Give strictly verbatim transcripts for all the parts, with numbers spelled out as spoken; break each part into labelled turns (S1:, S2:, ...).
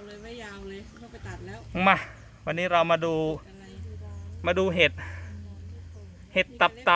S1: เลยไม่ยาวเลยเขาไปตัดแล้ว
S2: มาวันนี้เรามาดูมาดูเห็ดเห็ดตับเตา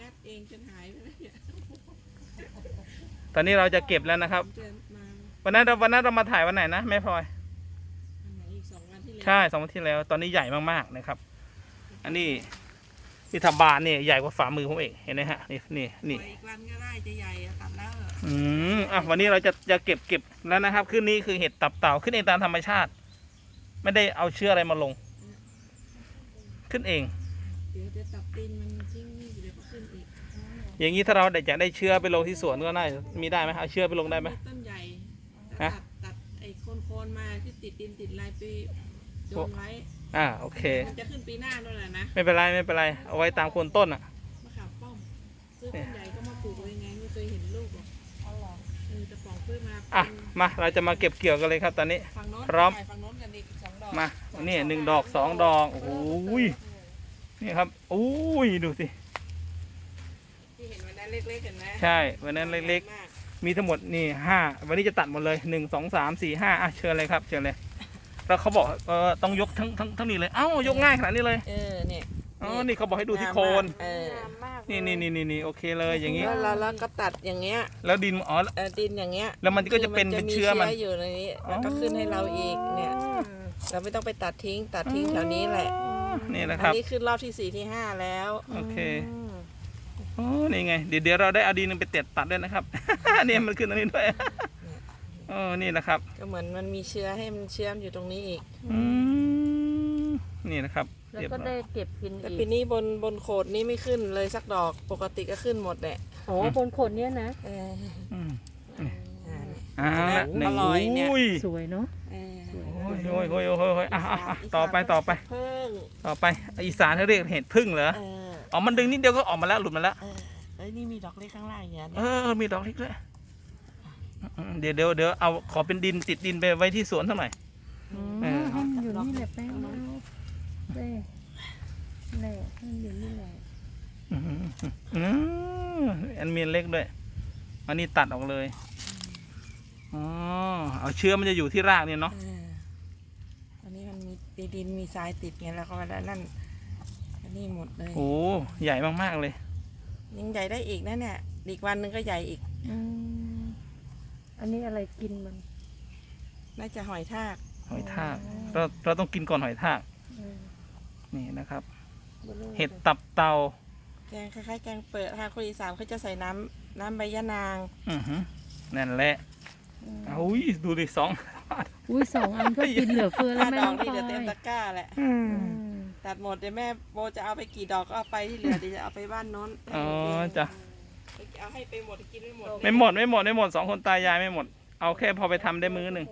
S2: ตอนนี้เราจะเก็บแล้วนะครับวันนั้นเราวันนั้นเรามาถ่ายวันไหนนะแม่พลอยใช่สองวันที่แล้วตอนนี้ใหญ่มากๆนะครับอันนี้ที่ทบานเนี่ยใหญ่กว่าฝ่ามือผมเองเห็นไหมฮะนี่นี่นี่
S1: อีกวันก็ได้จะใหญ่ตัดแล้ว
S2: อืมอ่ะวันนี้เราจะจะเก็บเก็บแล้วนะครับขึ้นนี้คือเห็ดตับเต่าขึ้นเองตามธรรมชาติไม่ได้เอาเชื้ออะไรมาลงขึ้นเอง
S1: เดี๋ยวจะตับตีนมันทิ้งเดี๋ยวก็ขึ้นอีก
S2: อย่างนี้ถ้าเราอยากได้เชื้อไปลงที่สวนก็ได้มีได้ไหมเอาเชื้อไปลงได้ไหม
S1: ต้นใหญ่ตัดตัดไอ้โคนๆมาที่ติดดินติดลายปีโยนไว้
S2: อ่าโอเค
S1: มันจะขึ้นปีหน้าด้วยแหละนะ
S2: ไม่เป็นไรไม่เป็นไรเอาไว้ตามโคนต้นอ่ะ
S1: มะขามป้อมซื้อต้นใหญ่ก็มาปลูกไว้ไงไม่เคยเห็นลูกหรอกเอาหรอเออจะปลูกซื้อมา
S2: อ่ะมาเราจะมาเก็บเกี่ยวกันเลยครับตอนนี้พร้อมมานี่หนึ่งดอกสองดอกโอ้ยนี่ครับโอ้ยดูสิ
S1: ที่เห็นวันนั้นเล็กๆเห็นไหม
S2: ใช่วันนั้นเล็กๆมีทั้งหมดนี่ห้าวันนี้จะตัดหมดเลยหนึ่งสองสามสี่ห้าอ่ะเชิญเลยครับเชิญเลยแล้วเขาบอกเออต้องยกทั้งทั้งทั้งนี้เลยเอ้ายกง่ายขนาดนี้เลย
S1: เออเนี่ย
S2: อ๋อนี่เขาบอกให้ดูที่โคน
S1: เออ
S2: นี่นี่นี่นี่นี่โอเคเลยอย่างนี้
S1: แล้วแล้วก็ตัดอย่างเงี้ย
S2: แล้วดินอ๋อ
S1: ดินอย่างเงี้ย
S2: แล้วมันก็จะเป็นเป็นเชื้อมัน
S1: อยู่ในนี้แล้วก็ขึ้นให้เราอีกเนี่ยเราไม่ต้องไปตัดทิ้งตัดทิ้งแถวนี้แหละ
S2: นี่นะครับ
S1: อันนี้ขึ้นรอบที่สี่ที่ห้าแล้ว
S2: โอเคโอ้นี่ไงเดี๋ยวเดี๋ยวเราได้เอาดินไปเต็ดตัดด้วยนะครับเนี่ยมันขึ้นตรงนี้ด้วยอ๋อนี่นะครับ
S1: ก็เหมือนมันมีเชื้อให้มันเชื่อมอยู่ตรงนี้อีก
S2: อืมนี่นะครับ
S3: แล้วก็ได้เก็บกินอีก
S1: แต่ปีนี้บนบนโขดนี้ไม่ขึ้นเลยสักดอกปกติก็ขึ้นหมดแหละ
S3: โอ้บนโขดเนี้ยนะ
S1: เออ
S2: อ่า
S1: อร่อยเนี่ย
S3: สวยเนาะ
S2: โอ้ยโอ้ยโอ้ยโอ้ยโอ้ยอ่ะอ่ะต่อไปต่อไปต่อไปอีสานเขาเรียกเห็ดพึ่งเหรออ๋อมันดึงนิดเดียวก็ออกมาแล้วหลุดมาแล้ว
S1: เอ้ยนี่มีดอกเล็กข้างล่างอย่างเงี้ย
S2: เออมีดอกเล็กด้วยเดี๋ยวเดี๋ยวเดี๋ยวเอาขอเป็นดินติดดินไปไว้ที่สวนเท่าไหร่
S3: เอออยู่นี่แหละแป้งเต้แหละมันอยู่นี่แหละ
S2: อืมอันมีเล็กด้วยอันนี้ตัดออกเลยอ๋อเอาเชื้อมันจะอยู่ที่รากเนี่ยเนาะ
S1: อันนี้มันมีดินมีทรายติดไงแล้วก็แล้วนั่นอันนี้หมดเลย
S2: โอ้ใหญ่มากๆเลย
S1: ยังใหญ่ได้อีกนะเนี่ยอีกวันหนึ่งก็ใหญ่อีก
S3: อันนี้อะไรกินมัน
S1: น่าจะหอยทาก
S2: หอยทากเราเราต้องกินก่อนหอยทากนี่นะครับเห็ดตับเตา
S1: แกงคล้ายๆแกงเปิดทางคนอีสานเขาจะใส่น้ำน้ำใบยะนาง
S2: อือฮึนั่นแหละอุ้ยดูดิสอง
S3: อุ้ยสองอันก็กินเหลือเฟือแล้วแม่
S1: ดอกนี่เดี๋ยวเต็มตะกร้าแหละตัดหมดเดี๋ยวแม่โบจะเอาไปกี่ดอกก็เอาไปที่เหลือเดี๋ยวจะเอาไปบ้านโน้น
S2: อ๋อจ้ะ
S1: เอาให้ไปหมดกินไม่หมด
S2: ไม่หมดไม่หมดไม่หมดสองคนตายายไม่หมดเอาแค่พอไปทำได้มื้อหนึ่ง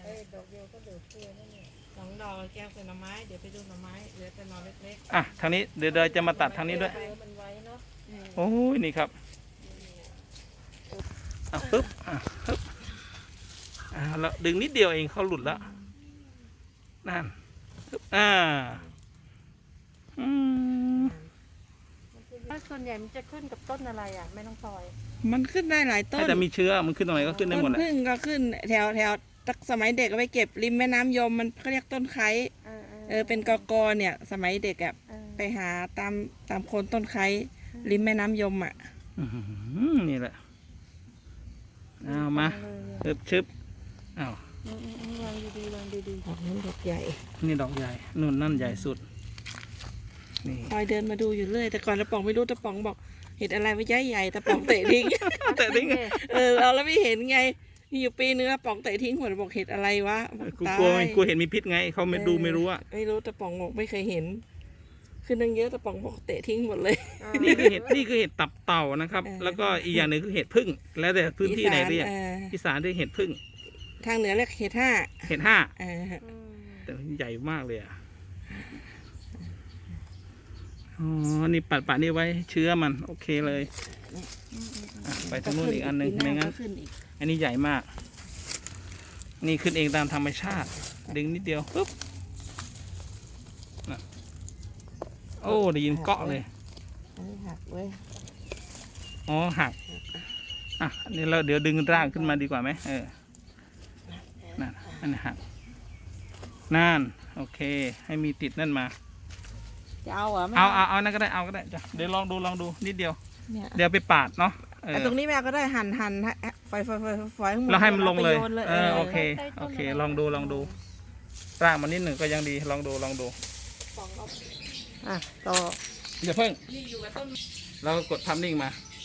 S1: สองดอกแก้วใส่หน่อไม้เดี๋ยวไปดูหน่อไม้เหลือแต่หน่อเล็ก
S2: ๆอ่ะทางนี้เดี๋ยวเราจะมาตัดทางนี้ด้วยโอ้ยนี่ครับอ่ะปึ๊บอ่ะปึ๊บอ่าแล้วดึงนิดเดียวเองเขาหลุดแล้วนั่นปึ๊บอ่าอืม
S3: ส่วนใหญ่มันจะขึ้นกับต้นอะไรอ่ะไม่ต้องซอย
S1: มันขึ้นได้หลายต้น
S2: แต่มีเชื้อมันขึ้นตรงไหนก็ขึ้นได้หมดแหละ
S1: พึ่งก็ขึ้นแถวแถวสมัยเด็กก็ไปเก็บริมแม่น้ำยมมันเขาเรียกต้นไคร้เออเป็นกอกอเนี่ยสมัยเด็กอ่ะไปหาตามตามโคนต้นไคร้ริมแม่น้ำยมอ่ะ
S2: นี่แหละเอามาชึบชึบอ้าว
S3: วางดีๆวางดี
S1: ๆดอกนี้ดอกใหญ่
S2: นี่ดอกใหญ่นู่นนั่นใหญ่สุด
S1: นี่คอยเดินมาดูอยู่เรื่อยแต่ก่อนตะป๋องไม่รู้ตะป๋องบอกเห็นอะไรไม่ใหญ่ใหญ่ตะป๋องเตะทิ้ง
S2: เตะทิ้ง
S1: เออเราแล้วไม่เห็นไงมีอยู่ปีนึงตะป๋องเตะทิ้งหัวบอกเห็นอะไรวะ
S2: กูกลัวกูเห็นมีพิษไงเขาไม่ดูไม่รู้อะ
S1: ไม่รู้ตะป๋องบอกไม่เคยเห็นคือนึงเยอะตะป๋องบอกเตะทิ้งหมดเลย
S2: นี่คือเห็ดนี่คือเห็ดตับเต่านะครับแล้วก็อีกอย่างหนึ่งคือเห็ดพึ่งแล้วแต่พื้นที่ไหนเรียกอีสานเรียกเห็ดพึ่ง
S1: ทางเหนือเรียกเห็ดห้า
S2: เห็ดห้าแต่ใหญ่มากเลยอ่ะอ๋อนี่ปัดปัดนี่ไว้เชื้อมันโอเคเลยไปทางนู้นอีกอันหนึ่งไม่งั้นอันนี้ใหญ่มากนี่ขึ้นเองตามธรรมชาติดึงนิดเดียวปุ๊บโอ้ได้ยินเกาะเลย
S1: หักเว้ย
S2: อ๋อหักอ่ะนี่เราเดี๋ยวดึงรากขึ้นมาดีกว่าไหมเออนั่นอันนี้หักนั่นโอเค ให้มีติดนั่นมา
S1: จะเอาเหรอไม่
S2: เอาเอาเอานั่นก็ได้เอาก็ได้จ้ะเดี๋ยวลองดูลองดูนิดเดียว
S1: เนี่ย
S2: เดี๋ยวไปปาดเนาะเออ
S1: แต่ตรงนี้แม่ก็ได้หั่นหั่นไฟไฟไฟไฟข้างบน
S2: แล้วให้มันลงเลย
S1: อาไปโน
S2: เออโอเคโอเค ลองดูลองดูรากมันนิดหนึ่งก็ยังดีลองดูลองดู
S1: อ่ะต่อ
S2: อย่าเพิ่ง
S1: นี่อยู่กับต้น
S2: เราก็กดทำนิ่งมา
S1: อ